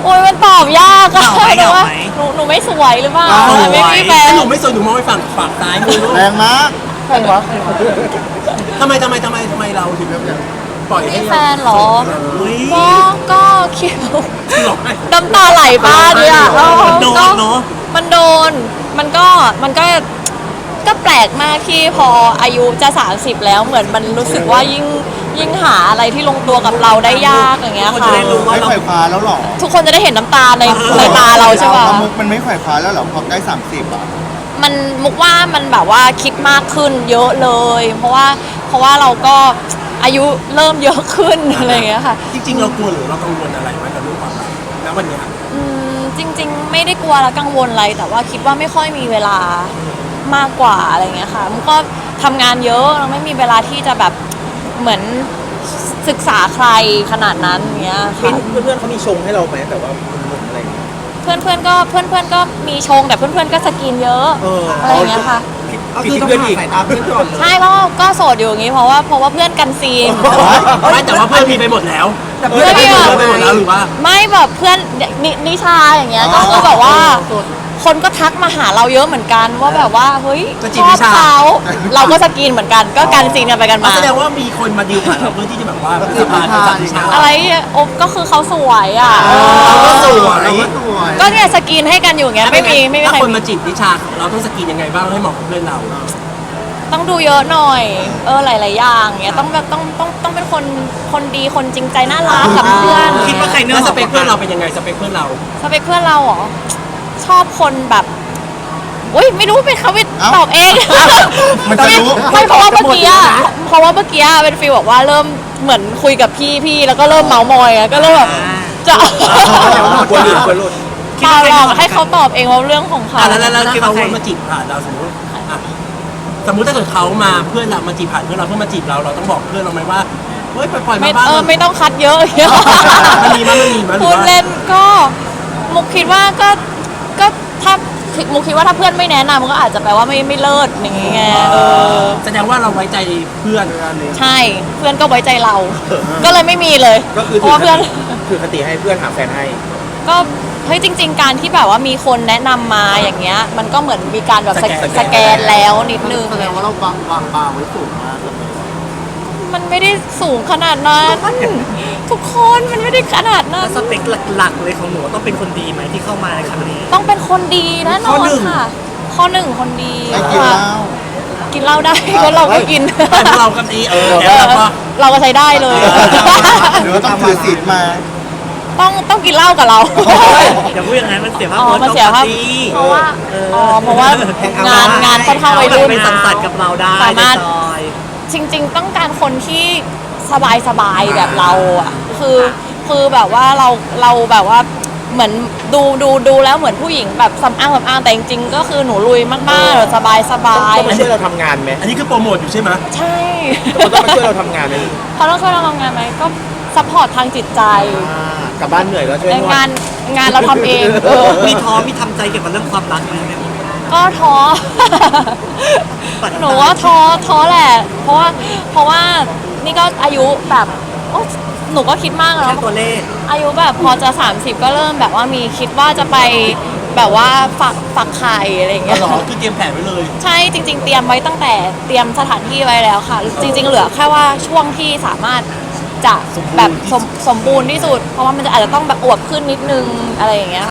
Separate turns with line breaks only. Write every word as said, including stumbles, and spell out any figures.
โอ้ยมันตอบยากอะ
เหงาไหม
หนูว่า
เหงาไหม
หนูหนูไม่สวยหรือเปล่า
สวย
ไม่มีแฟน
หนูไม่สนหนูมองไปฝั่งฝั่งซ้ายมือลูก
แรงมาก
แฟนเหรอ
ทำไมทำไมทำไมทำไมเราถึงปล่อยให้
มีแฟนเหรอ
อุ้ย
ก็ก็คิว
หลอกให้
น้ำตาไหลบ้างเลยอ่ะเออ
โดน
ก็
เนอะ
มันโดนมันก็มันก็ก็แปลกมากที่พออายุจะสามสิบแล้วเหมือนมันรู้สึกว่ายิ่งยิ่งหาอะไรที่ลงตัวกับเราได้ยากอย่างเงี้ย
คน
ค่ะ
จะได้รู้ว่า
ไม่
เรา
ไขว่คว้าแล้วหรอ
ทุกคนจะได้เห็นน้ำตาในในตาเราใช่ปะ
มุกมันไม่ไขว่คว้าแล้วหรอพอใกล้สามสิบอ่ะ
มันมุกว่ามันแบบว่าคิดมากขึ้นเยอะเลย เพราะว่าเพราะว่าเราก็อายุเริ่มเยอะขึ้นอะไรอย่างเงี้ยค่ะ
จริงๆเรากลัวหรือเรากังวลอะไรไหมกับเรื่องความรักณวันเนี้ย
อืมจริง ๆ ไม่ได้กลัวและกังวลอะไรแต่ว่าคิดว่าไม่ค่อยมีเวลามากกว่าอะไรเงี้ยค่ะมุกก็ทำงานเยอะเราไม่มีเวลาที่จะแบบเหมือนศึกษาใครขนาดนั้นเงี้ยค่ะ
เพื่อนๆเขามีชงให้เราไหมแต่ว่าหนุ่มๆอะไรอย่างเงี้ย
เพื่อนเพื่อนๆก็เพื่อนเพื่อนๆก็มีชงแต่เพื่อนเพื่อนๆก็สกินเยอะ
เอออ
อะไรอย่างเงี้ยค่ะ
ก็คือต้องห่างสายตาเพื่อนก่อนเลย
ใช่ก็ก็โสดอยู่อย่างงี้เพราะว่าเพราะว่าเพื่อนกันซีน
ไม่แต่ว่าเพื่อนมีไปหมดแล้ว
แต่
เพื่
เพื่
อ
อน น
ไป
ไม่
หม
หม
ด
ด
แล้วไปหมดแล้วหรือว่า
ไม่แบบเพื่อนนนิชาอย่างเงี้ยก็คือแบบว่า คนก็ทักมาหาเราเยอะเหมือนกันว่าแบบว่าเฮ้ย
ก็จี
ช
บ
อ
นิ
บ
ชา
เขาเราก็สกรีนเหมือนกันก็การซีนกันไปกันมา
แสดงว่ามีคนมาดีลผ่านเราเพื่อที่จะแบบว่าสะพานจัดวิชา
อะไรโอบก็คือเขาสวยอ่ะ
เราก็สวย
เราก็สวย
ก็เนี่ยสกรีนให้กันอยู่อย่างเงี้ยไม่มีไม่มี
ถ้า
ใคร
คนมาจีบนิชาเราต้องสกรีนยังไงบ้างให้เหมาะกับเพื่อนเรา
ต้องดูเยอะหน่อยเออหลายๆอย่างเงี้ยต้องแบบต้องต้องต้องเป็นคนคนดีคนจริงใจน่ารักกับเพื่อน
คิดว่าใครเนื้อ
แล้ว
ห
ส
อม
เปคเพื่อนเราเป็นยังไงสเปคเพื่อนเรา
สเปคเพื่อนเราเหรอชอบคนแบบอุ้ยไม่รู้เป็นเขาไป
เอ้า
ตอบเอง
มันจะรู้
ไม่เพราะว่าเมื่อกี้อะเพราะว่าเมื่อกี้อะเป็นฟีลบอกว่าเริ่มเหมือนคุยกับพี่พี่แล้วก็เริ่มเมาส์มอยอะก็เริ่มแบบจะ
กลัวหลุดกลัวหลุด
เปล่าหรอกให้เขาตอบเองว่าเรื่องของเขา
อ่ะแล้วแล้วแล้วถ้าเขามาจีบผ่านเราสมมติอ่ะสมมติถ้าเกิดเขามาเพื่อนเรามาจีบผ่านเพื่อนเราเพื่อนมาจีบเราเราต้องบอกเพื่อนเราไหมว่าเฮ้ยปล่อยๆ
ไม่
มาบ้าง
เออไม่ต้องคัดเยอะอย่างเงี้ย
มันมีมั้ยมันมีมั้ยหรือ
พูด
ว่า
เล่นก็มุกคิดว่าก็ก็ถ้ามุกคิดว่าถ้าเพื่อนไม่แนะนำมันก็อาจจะแปลว่าไม่ไม่เลิศอย่างเงี้ยเออ
แสดงว่าเราไว้ใจเพื่อน
ใช่เพื่อนก็ไว้ใจเรา ก็เลยไม่มีเลย
ก็คือ
เพราะว่าเพื่อน
คือคติให้เพื่อนหาแฟนให้
ก็เฮ้ยจริง ๆ การที่แบบว่ามีคนแนะนำมาอย่างเงี้ย มันก็เหมือนมีการแบบสแกนสแกนแล้วนิดนึง
แสดงว่าเราวางวางบาร์ไว้สูงมากเลย
มันไม่ได้สูงขนาดนั้น ทุกคนมันไม่ได้ขนาดนั้
แล้
น
วสเปคหลักๆเลยของหนูต้องเป็นคนดีไหมที่เข้ามาในครั้งนี้
ต้องเป็นคนดีแน่นอนค่ะ ข้อหนึ่งคนดี
ไม่กินเหล้า
กินเหล้าได้ก็เราก็กิน
แต่พวกเราก็ดีเออ
เอ
แล้ว
อ
เราก็
เราก็ใช้ได้เลย
หรือว่าต้องถือศีลมา
ต้องต้องกินเหล้ากับเรา
อย่าพูดอย่างนั้นมันเสียภาพ
อ๋อ
พจน์
มันเสียภาพ
ของปาร์ตี้
เพราะว่า
เออ
อ๋อเพราะว่างานงานค่อนข้างวัยรุ่น
ไปสังสรรค์กับเราได้
สามารถ
ในซอย
จริง ๆ ต้องการคนที่สบายสบายๆแบบเราอ่ะคือคือแบบว่าเราเราแบบว่าเหมือนดูดูดูแล้วเหมือนผู้หญิงแบบสำอางสำอางแต่จริงๆก็คือหนูลุยมากๆแบบสบายสบาย
ต้องมาช่วยเราทำงานไหม
อันนี้คือโปรโมทอยู่ใช่ไหม
ใช่
เขาต้องมาช่วยเราทำงานไหม
เขาต้องช่วยเราทำงานไหมก็ซัพพอร์ตทางจิตใจ
อ่ากลับบ้านเหนื่อยก็ช่วย
ใน
นวด
งานงานเราทำเองเออ
มีท้อมีทำใจเกี่ยวกับเรื่องความรักไหมแม่บุ๊ค
ก็ท้อ หนูว่าท้อท้อแหละ เพราะว่าเพราะว่านี่ก็อายุแบบโอ๊ยหนูก็คิดมากแล้ว
แค่ตัวเลข
อายุแบบพอจะสามสิบก็เริ่มแบบว่ามีคิดว่าจะไปแบบว่าฝักฝักไข่อะไรอย่างเงี้ย
หรอคือเตรียมแผนไว้เลย
ใช่จริง ๆ เตรียมไว้ตั้งแต่เตรียมสถานที่ไว้แล้วค่ะ จริง ๆ เหลือแค่ว่าช่วงที่สามารถจะแบบสมสมบูรณ์ที่สุด เพราะว่ามันจะอาจจะต้องแบบอวบขึ้นนิดนึงอะไรอย่างเงี้ย